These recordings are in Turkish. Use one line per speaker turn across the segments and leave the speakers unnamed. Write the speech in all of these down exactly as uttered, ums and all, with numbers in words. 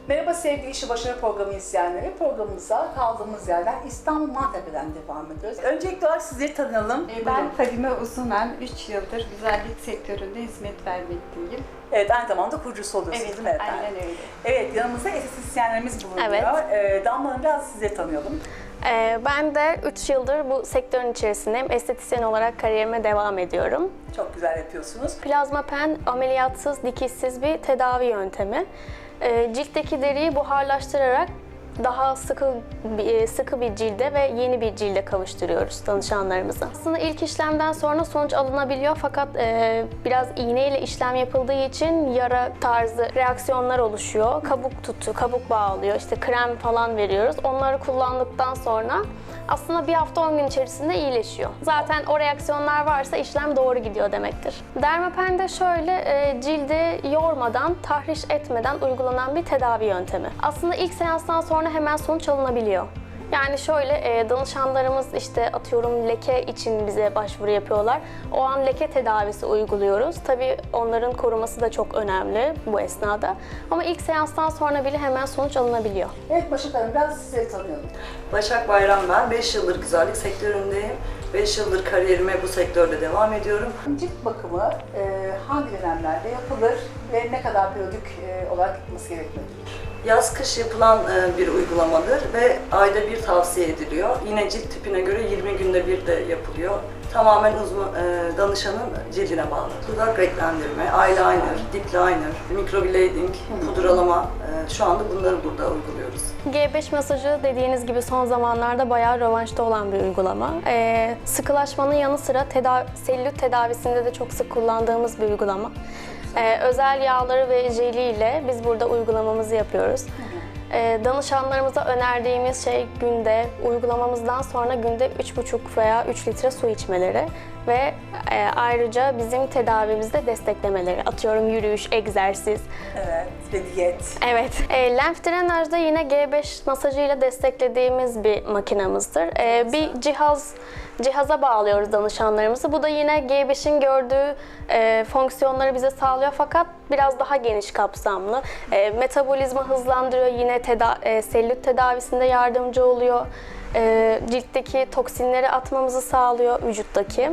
Merhaba sevgili İşi Başarı Programı izleyenleri. Programımıza kaldığımız yerden İstanbul Maltepe'den devam ediyoruz. Öncelikle olarak sizleri tanıyalım.
Ben Buyurun. Fadime Uzunen, üç yıldır güzellik sektöründe hizmet vermekteyim.
Evet, aynı zamanda kurucusu oluyorsunuz
Evet,
değil mi efendim?
aynen öyle.
Evet, yanımızda estetisyenlerimiz bulunuyor.
Evet.
Ee, Damla Hanım, biraz sizleri tanıyalım.
Ee, ben de üç yıldır bu sektörün içerisindeyim. Estetisyen olarak kariyerime devam ediyorum.
Çok güzel yapıyorsunuz.
Plazma pen ameliyatsız, dikişsiz bir tedavi yöntemi. Ee, ciltteki deriyi buharlaştırarak daha sıkı bir, sıkı bir cilde ve yeni bir cilde kavuşturuyoruz danışanlarımıza. Aslında ilk işlemden sonra sonuç alınabiliyor fakat e, biraz iğneyle işlem yapıldığı için yara tarzı reaksiyonlar oluşuyor. Kabuk tutu, kabuk bağlıyor, işte krem falan veriyoruz. Onları kullandıktan sonra aslında bir hafta on gün içerisinde iyileşiyor. Zaten o reaksiyonlar varsa işlem doğru gidiyor demektir. Dermapen de şöyle e, cildi yormadan, tahriş etmeden uygulanan bir tedavi yöntemi. Aslında ilk seanstan sonra hemen sonuç alınabiliyor. Yani şöyle e, danışanlarımız işte atıyorum leke için bize başvuru yapıyorlar. O an leke tedavisi uyguluyoruz. Tabii onların koruması da çok önemli bu esnada. Ama ilk seanstan sonra bile hemen sonuç alınabiliyor.
Evet Başak Hanım, biraz sizleri tanıyalım.
Başak Bayram ben. beş yıldır güzellik sektöründeyim. beş yıldır kariyerime bu sektörde devam ediyorum.
Cilt bakımı e, hangi dönemlerde yapılır ve ne kadar periyodik e, olarak yapılması gerekmektedir?
Yaz-kış yapılan e, bir uygulamadır ve ayda bir tavsiye ediliyor. Yine cilt tipine göre yirmi günde bir de yapılıyor. Tamamen uzman, e, danışanın cildine bağlı. Dudak renklendirme, eyeliner, dip liner, microblading, pudralama, e, şu anda bunları burada uyguluyoruz.
G beş masajı dediğiniz gibi son zamanlarda bayağı rövanşta olan bir uygulama. Ee, sıkılaşmanın yanı sıra tedavi, selülit tedavisinde de çok sık kullandığımız bir uygulama. Ee, özel yağları ve jeliyle biz burada uygulamamızı yapıyoruz. Ee, danışanlarımıza önerdiğimiz şey günde, uygulamamızdan sonra günde üç buçuk veya üç litre su içmeleri ve e, ayrıca bizim tedavimizde desteklemeleri. Atıyorum yürüyüş, egzersiz.
Evet, ve diyet.
Evet. E, lenf drenajda yine G beş masajıyla desteklediğimiz bir makinamızdır. E, bir cihaz cihaza bağlıyoruz danışanlarımızı. Bu da yine G beşin gördüğü e, fonksiyonları bize sağlıyor fakat biraz daha geniş kapsamlı. E, metabolizma hızlandırıyor, yine teda e, selülit tedavisinde yardımcı oluyor. E, ciltteki toksinleri atmamızı sağlıyor, vücuttaki.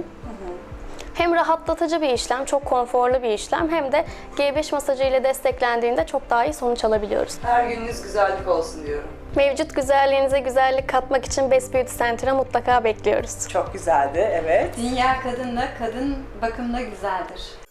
Hem rahatlatıcı bir işlem, çok konforlu bir işlem hem de G beş masajı ile desteklendiğinde çok daha iyi sonuç alabiliyoruz.
Her gününüz güzellik olsun diyorum.
Mevcut güzelliğinize güzellik katmak için Best Beauty Center'a mutlaka bekliyoruz.
Çok güzeldi, evet.
Dünya kadınla, kadın bakımla güzeldir.